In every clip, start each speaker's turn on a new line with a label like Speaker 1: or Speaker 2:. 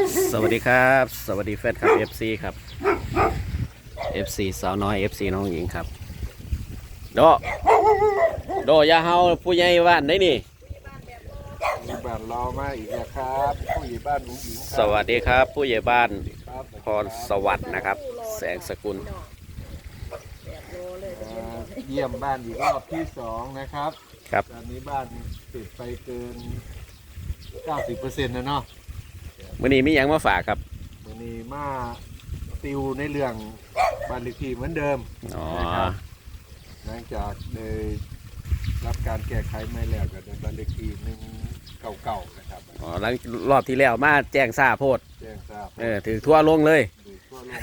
Speaker 1: สวัสดีครับสวัสดีแฟนคลับ FC ครับ FC สาวน้อย FC น้องหญิงครับโดอยาเฮาผู้ใหญ่บ้านได้นี่
Speaker 2: มีบ้านรอมาอีกนะครับผู้ใหญ่บ้านหญิงค
Speaker 1: ส
Speaker 2: รับ
Speaker 1: วัสดีครับผู้ใหญ่บ้าน
Speaker 2: ครับ
Speaker 1: พรสวัสดิ์นะครับ แสงสกุล
Speaker 2: เยี่ยมบ้านอีกรอบที่2นะครับ
Speaker 1: ครับ
Speaker 2: ตอนนี้บ้านติดไปเกิน 90%นะเนาะ
Speaker 1: มื้อนี้มีหยังมาฝากครับ
Speaker 2: วันนี้มาติวในเรื่องบ้านเลขที่เหมือนเดิม
Speaker 1: อ๋อ
Speaker 2: นะครับหลังจากได้รับการแก้ไขไม่แล้วก็ได้บ้านเลขที่199นะครับ
Speaker 1: อ๋อหลังรอบที่แล้วมาแจ้งทราบโพด
Speaker 2: แจ้งทราบ
Speaker 1: ถือทั่วลงเลย
Speaker 2: ดูทั่วโลก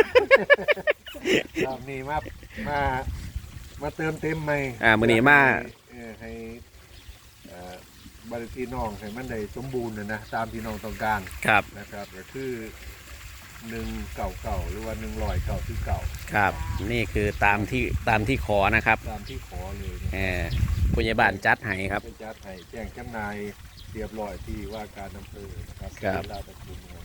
Speaker 2: รอบนี้มาเติมเต็มใหม่
Speaker 1: มื้อนี้มา
Speaker 2: ให้บริทีน้องให้มันได้สมบูรณ์นะตามที่น้องต้องการ
Speaker 1: ครับ
Speaker 2: นะครับก็คือ199หรือว่า199
Speaker 1: ครับ นี่คือตามที่ขอนะครับ
Speaker 2: ตามที่ขอเลยนะ
Speaker 1: ผู้ใหญ่บ้านจัดให้ครับ
Speaker 2: ไปจัดให้แจ้งจำหน่ายเรียบร้อยที่ว่าการอำเภอนะครับ
Speaker 1: ครับ
Speaker 2: ที่ราชตระกูลเมือง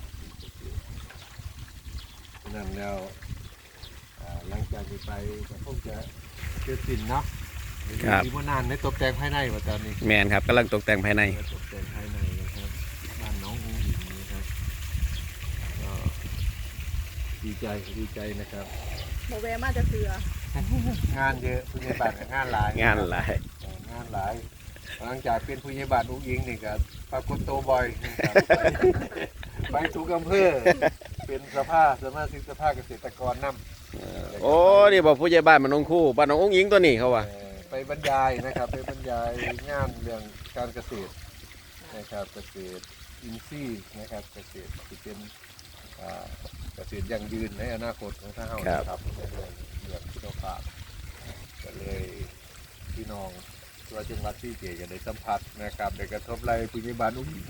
Speaker 2: นั่นแล้วหลังจากนี้ไปก็คงจะเสร็จสิ้นเนาะ
Speaker 1: ครับ
Speaker 2: มีว่านานในตกแต่งภายในว่าตอนนี้
Speaker 1: แมนครับกำลังตกแต่งภายใน
Speaker 2: ตกแต่งภายในนะครับบ้านน้องอุ้งอิงนะครับก็ดีใจนะครับ
Speaker 3: โมแวมาจะเสือง
Speaker 2: านเยอะผู้ใหญ่บ้านกับงานหลาย
Speaker 1: งานหลาย
Speaker 2: งานหลายหลังจากเป็นผู้ใหญ่บ้านอุ้งอิงนี่ก็ปรากฏตัวบ่อยนะครับไปทุกอำเภอเป็นสมาชิกสภาเกษตรกรนำ
Speaker 1: โอ้นี่บอกผู้ใหญ่บ้านมันองคู่บ้านน้ององหญิงตัวนี้เขาว่า
Speaker 2: ไปบรรยายนะครับไปบรรยายงานเรื่องการเกษตรนะครับเกษตรอินทรีย์นะครับเกษตรที่เป็นเกษตรยั่งยืนในอนาคตของทางเฮานะครับในเรื่องคุณภาพก็เลยพี่น้องตัวจังหวัดที่เจจะได้สัมผัสนะครับได้กระทบไรผู้ใหญ่บ้านอุ้งอิง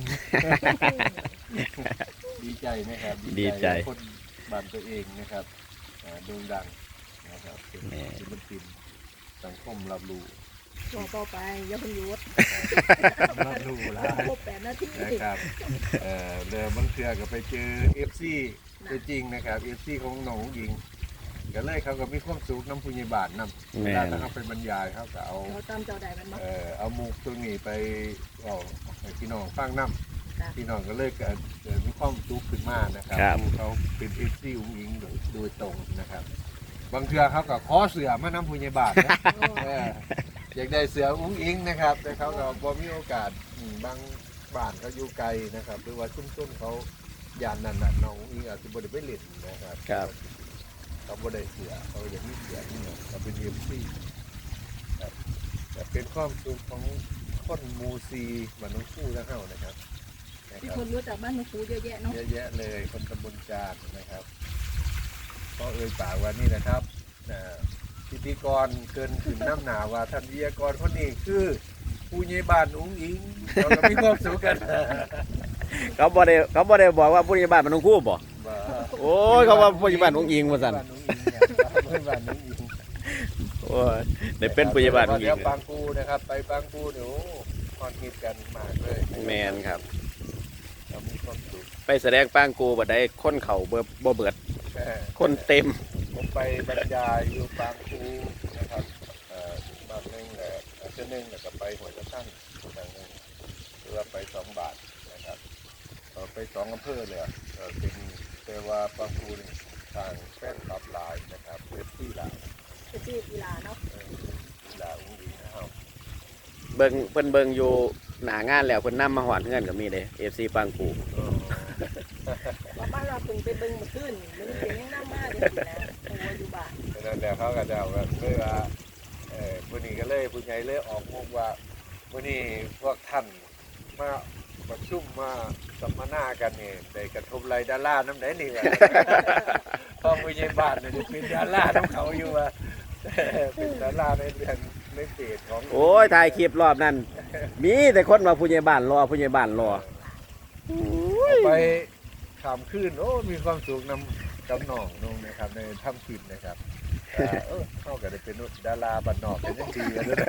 Speaker 2: ดีใจนะครับคนบ้านตัวเองนะครับโด่งดังนะครับเป็นศิลปินสังคมรับรู้
Speaker 3: บอกต่อไปอย่าเพิ่งหยุด
Speaker 2: รับรู้แล้ว
Speaker 3: ครบ8 นาที
Speaker 2: นะครับเดิมบางเทือก็ไปเจอ FC ตัวจริงนะครับ FC ของน้องหญิงก็เลยเขาก็มีความสุขน้ำพุญญบาทนำเวลาเขาไปบรรยายเขาก็เอา
Speaker 3: เราตามเจ้าใดมันมา
Speaker 2: เอามุกตัวนี้ไปเอาให้พี่น้องฟังน้ำพี่น้องก็เลยเกิดมีความสุขขึ้นมานะครับเขาเป็น FC อุ้งอิงโดยตรงนะครับ บางเทือเขาก็ขอเสือมาน้ำพุญญบาทนะ อยากได้เสืออุ้งอิงนะครับแต่เขาก็บ่มีโอกาสบางบ้านเขาอยู่ไกลนะครับหรือว่าชุ่มๆเขายานนั่นน่ะน้องอุ้งอิงอาจจะบ่ได้ไปเล่นนะครับ
Speaker 1: ครับ
Speaker 2: เขาบ่ได้เสือเขาอยากมีเสือนี่เนาะเขาเป็นเอ็มซีครับแต่เป็นความสุขของคนหมูซีบ้านน้องคู่ทั้งเฮานะครับ
Speaker 3: ที่คนรู้จักบ้านนกคูเยอะแยะเนาะ
Speaker 2: เยอะแยะเลยคนตำบลจานนะครับก็เอ่ยปากว่านี่นะครับพิธีกรเกินขึ้นน้ำหนาว่าท่านวิทยากรคนนี้คือผู้ใหญ่บ้านอุ้งอิงเราก็มีความสุขกัน
Speaker 1: เขาบ่ได้บอกว่าผู้ใหญ่บ้านมันองคู่บ่
Speaker 2: บ่า
Speaker 1: โอ้ยเขาว่าผู้ใหญ่บ้านองหญิงว่าซั่น
Speaker 2: บ้านอุ้งอิงเนี่ยผู้ใหญ่บ้านอุ้งอิง
Speaker 1: โอ้ยได้เป็นผู้ใหญ่บ้านองหญิ
Speaker 2: เดี๋ย
Speaker 1: ง
Speaker 2: วปางกูนะครับไปปางกูเดี๋ยวคอนฮิตกันมากเลย
Speaker 1: แมนครับ
Speaker 2: เรามีความสุข
Speaker 1: ไปแสดงปางกูบ่ได้คนเขาบ่เบิด
Speaker 2: แค่
Speaker 1: คนเต็ม
Speaker 2: ผมไปบรรยายอยู่ปางกูนะครับบ้านหนึงเส้นหนึงแล้วก็ไปหัวตะชั่นบางหนึงหรือว่าไป2 บาทนะครับไป2 อำเภอเลยเป็นแต่ว่าปางกูนี่ทางแฟนคลับหลายนะครับเป็นที่หลาย
Speaker 3: จะชื่อกีฬาเนาะ
Speaker 2: หลายอุ้งอิงนะครับ
Speaker 1: เบิ่งอยู่หน้างานแล้วเพิ่นนำมาหวานเฮือนก็มีเด้ FC ปางกู
Speaker 3: ว่าบ้านเราเพิ่งไปเบิ่งมาขึ้นมันเป็นยังน้ำมาเดี๋ยวนะโอ้อยู่บ้าน
Speaker 2: แล้วเดี๋ยวเขาก็จะเอาแบบเลยว่าวันนี้ก็เลยผู้ใหญ่เลยออกมุกว่าวันนี้พวกท่านมาประชุมมาสัมมนากันนี่ได้กระทบไรดาราน้ำไหนนี่วะ พ่อผู้ใหญ่บ้านเนี่ยเป็นดาราน้ำเขาอยู่ว่า เป็นดาราในเรื่องในเพจของ
Speaker 1: โอ้ยถ่ายคลิปรอบนั้นมีแต่คนว่าผู้ใหญ่บ้านรอผู้ใหญ่บ้านรอ
Speaker 2: เอาไปขามขึ้นโอ้มีความสุขนำกับน้องนงนะครับในถ้ำขินนะครับเขาก็ได้เป็นดาราบัดนอกเป็นยังดีกันเลย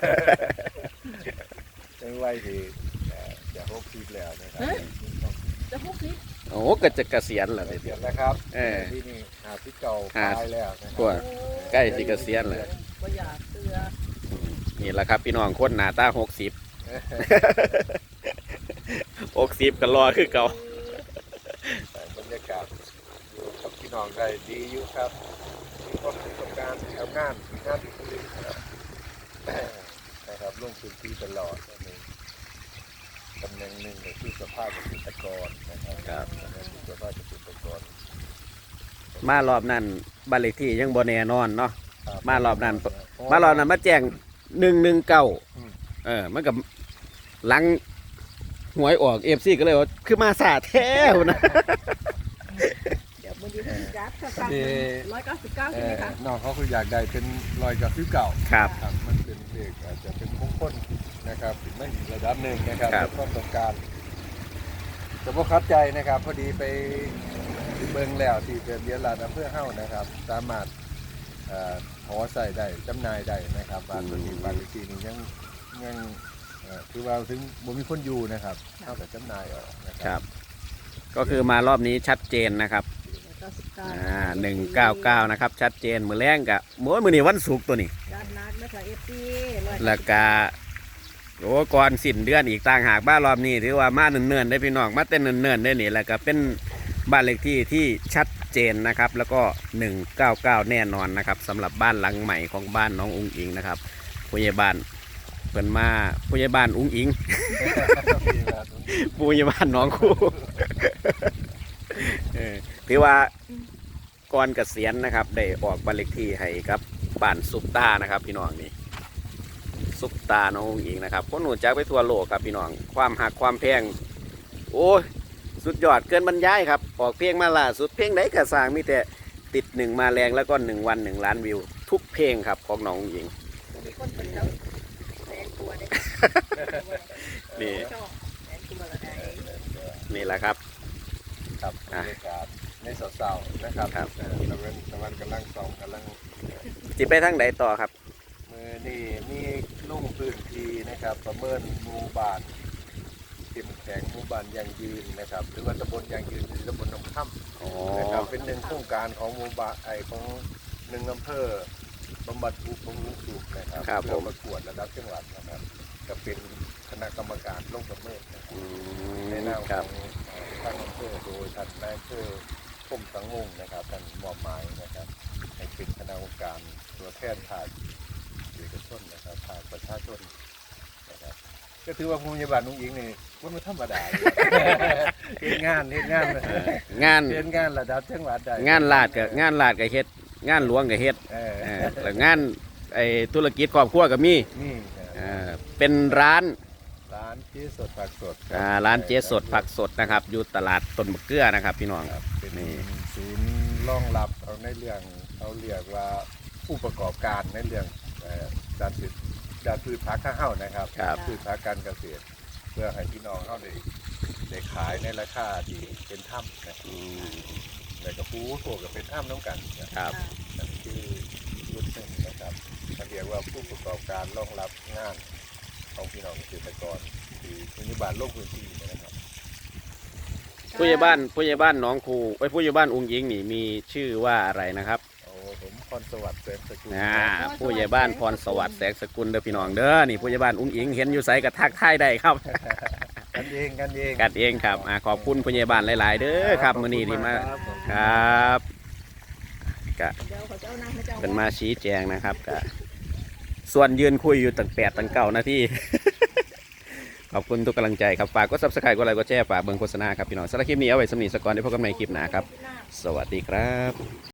Speaker 2: ในวัยที่จะ60แล้วนะครับ
Speaker 3: จะ60
Speaker 1: โอ้ก็จะเกษียณแล้ว
Speaker 2: เก
Speaker 1: เนี่ย
Speaker 2: ษียณแล้วครับ ที่นี่ที่เก่า
Speaker 1: หา
Speaker 2: ตายแล้วนะค
Speaker 1: กว่า
Speaker 2: รับ
Speaker 1: ใกล้สิเกษียณแล้ว
Speaker 3: บ่อยากเตือ
Speaker 1: นี่แหละครับพี่น้องคนหน้าตา60ก็รอคือเก่า
Speaker 2: บรรยากาศอยู่กับพี่น้องได้ดีอยู่ครับมีความประสบการณ์ทำงานที่ผลิตนะครับลงพื้นที่ตลอดนี่ตำแหน่งหนึ่งคือสภาพเกษตรกรนะครับสภาพเกษตรกร
Speaker 1: มารอบนั้นบ้านเลขที่ยังบ่แน่นอนเนาะ
Speaker 2: ครับ
Speaker 1: มารอบนั้นมาแจ้ง119มันกับหลังหวยออก FC ก็เลยว่าคือมาสาแท้นะ
Speaker 3: เดี๋ยวมื้อนี้เพิ่นจัดถ้าฟัง199ใช่ไหมคะ
Speaker 2: น้องเขาคืออยากได้เป็นรอยกับฟิวเก่า
Speaker 1: ครับ
Speaker 2: ครับมันเป็นเด็กอาจจะเป็นมงคลนะครับถึงไม่อีกระดับหนึ่งนะครับ
Speaker 1: ครับ
Speaker 2: ความต้องการแต่พวกคัดใจนะครับ พอดีไปเบิ่งแล้วที่เดือนลาดอำเภอเฮ้านะครับ สามารถหอใส่ได้จำหน่ายได้นะครับบ้านตัวนี้บ้านเลขที่นี้ยังคือว่าถึงบ่มีคนอยู่นะครับเท่ากับจำหน่ายออกนะค
Speaker 1: ครั
Speaker 2: รับ
Speaker 1: ก็คือมารอบนี้ชัดเจนนะครับ199นะครับชัดเจนมือแรงกะมื้อนี้วันศุกร์ตัวนี้
Speaker 3: ด้านนักนะคะ FP
Speaker 1: แล้วก็โอ้ก่อนสิ้นเดือนอีกต่างหากบ้านรอบนี้ถือว่ามาเนิ่นๆได้พี่น้องมาเต้นเนิ่นๆได้นี่แล้วก็เป็นบ้านเลขที่ที่ชัดเจนนะครับ แล้วก็199แน่นอนนะครับสำหรับบ้านหลังใหม่ของบ้านน้องอุ้งอิงนะครับผู้ใหญ่บ้านเพิ่นมาผู้ใหญ่บ้านอุ้งอิง ผู้ใหญ่บ้านน้องคู่ ถือว่าก่อนเกษียณนะครับได้ออกบ้านเลขที่ให้กับบ้านซุปตานะครับพี่น้องนี่ซุปตาน้องอุ้งอิงนะครับคนหนูจักไปทั่วโลกครับพี่น้องความหักความแพงโอ้ยสุดยอดเกินบรรยายครับออกเพลงมาล่าสุดเพลงไหนกระสร้างมีแต่ติด1มาแรงแล้วก็1 วัน1 ล้านวิวทุกเพลงครับของน้องอุ้งอิง
Speaker 3: มีคนเพิ่นแล้วแสงตัวได้
Speaker 1: นี่
Speaker 3: ชอบแสงตัวละได้
Speaker 1: นี่แหละครับ
Speaker 2: ครับบรรยากาศในเสาๆนะครับ
Speaker 1: ครับ
Speaker 2: ตะวันกำลังส่องกำลัง
Speaker 1: จิไปทางไหนต่อครับ
Speaker 2: มือนี่มีลุ่งพื้นที่นะครับประเมินหมู่บ้านเข้มแข็งหมู่บ้านยั่งยืนนะครับหรือว่าตำบลยั่งยืนหรือตำบลหนองค่
Speaker 1: อ๋อ
Speaker 2: ำนะครับเป็นหนึ่งโครงการของหมู่บ้านของหนึ่งอำเภอบำบัดทุกข์บำรุงสุขนะครับ
Speaker 1: ครับ
Speaker 2: เพื่อ
Speaker 1: ผม
Speaker 2: ประกวดระดับจังหวัดนะครับก็เป็นคณะกรรมการลงประเมินนะครับ
Speaker 1: อื
Speaker 2: ใน
Speaker 1: ม
Speaker 2: นาม
Speaker 1: ค
Speaker 2: ข
Speaker 1: รั
Speaker 2: อบ งทางอำเภอโดยท่านนายอำเภอคมสังวงศ์นะครับท่านมอบหมายนะครับให้เป็นคณะกรรมการตัวแทนภาคเอกชนนะครับภาคประชาชนนะครับก็ถือว่าภูมิบาลนุ่งอิงนี่ว่ามันธรรมดาอยู่ เฮ็ดงาน
Speaker 1: งาน
Speaker 2: เฮ็ดงานระดับจังหวัดได้
Speaker 1: งานลาดกับเฮ็ดงานหลวงกับเฮ็ด
Speaker 2: เออ
Speaker 1: แล้วงานไอ้ธุรกิจครอบครัวก็มี
Speaker 2: นี่
Speaker 1: เป็นร้าน
Speaker 2: ร้านเจ๊สดผักสด
Speaker 1: ร้านเจ๊สดผักสดนะครับ อยู่ตลาดต้นมะเกลือนะครับพี่น้อง
Speaker 2: ครับเป็น
Speaker 1: นี่
Speaker 2: ศูนย์รองรับเอาในเรื่องเขาเรียกว่าผู้ประกอบการในเรื่องการพืชผักข้าวเฮ้านะครับ
Speaker 1: ครับ
Speaker 2: พืชผักการเกษตร เพื่อให้พี่น้องเขาได้ขายในราคาที่เป็นถ้ำนะครับ
Speaker 1: อืม
Speaker 2: แล้วก็ผู้โถกับเป็นถ้ำน้ำกันนะครับ นั่นคือรุ่นหนึ่งนะครับเขาเรียกว่าผู้ประกอบการรองรับงานของพี่น้องเกษตรกรที่ปัจจุบันโลกพื้นที่นะครับ
Speaker 1: ผู้ใหญ่บ้านหน้องคูไอ้ยผู้ใหญ่บ้านอุ้งอิงนี่มีชื่อว่าอะไรนะครับ
Speaker 2: โอ้ผมพรสวัสดิ์เสริมสกุล
Speaker 1: ผู้ใหญ่บ้านพรสวัสดิ์แสงสกุลเด้อพี่น้องเด้อนี่ผู้ใหญ่บ้านอุ้งอิงเห็นอยู่ไสก็ทักทายได้ครับ
Speaker 2: กันเองกันเอง
Speaker 1: กันเองครับขอบคุณผู้ใหญ่บ้านหลายๆ เด้อครับมื้อนี้ที่มาครับก็
Speaker 3: เดี๋ยวเขาจะเอาน้ำให้เจ้า
Speaker 1: เป็นมาชี้แจงนะครับก็ส่วนยืนคุยอยู่ตั้ง8 ตั้ง 9 นาที ขอบคุณทุกกำลังใจครับฝากกด Subscribe กดไลค์กดแชร์ฝากเบิ่งโฆษณาครับพี่น้องสำหรับคลิปนี้เอาไว้สำนีสกอนได้พบกันใหม่คลิปหน้าครับ สวัสดีครับ